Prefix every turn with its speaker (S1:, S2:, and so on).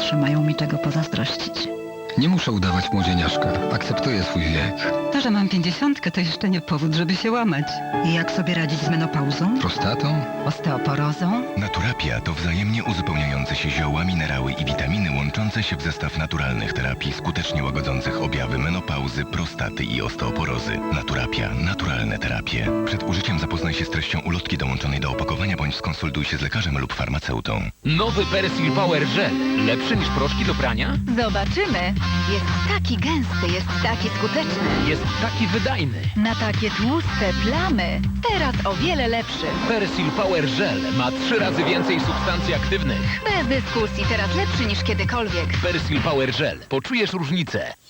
S1: najmłodsze mają mi tego pozazdrościć.
S2: Nie muszę udawać młodzieniaszka. Akceptuję swój wiek.
S3: To, że mam 50, to jeszcze nie powód, żeby się łamać.
S1: I jak sobie radzić z menopauzą?
S2: Prostatą?
S3: Osteoporozą?
S4: Naturapia to wzajemnie uzupełniające się zioła, minerały i witaminy łączące się w zestaw naturalnych terapii skutecznie łagodzących objawy menopauzy, prostaty i osteoporozy. Naturapia. Naturalne terapie. Przed użyciem zapoznaj się z treścią ulotki dołączonej do opakowania bądź skonsultuj się z lekarzem lub farmaceutą.
S5: Nowy Persil Power Gel. Lepszy niż proszki do prania?
S6: Zobaczymy. Jest taki gęsty, jest taki skuteczny.
S5: Jest taki wydajny.
S6: Na takie tłuste plamy. Teraz o wiele lepszy.
S5: Persil Power Gel ma 3 razy więcej substancji aktywnych.
S6: Bez dyskusji, teraz lepszy niż kiedykolwiek.
S5: Persil Power Gel. Poczujesz różnicę.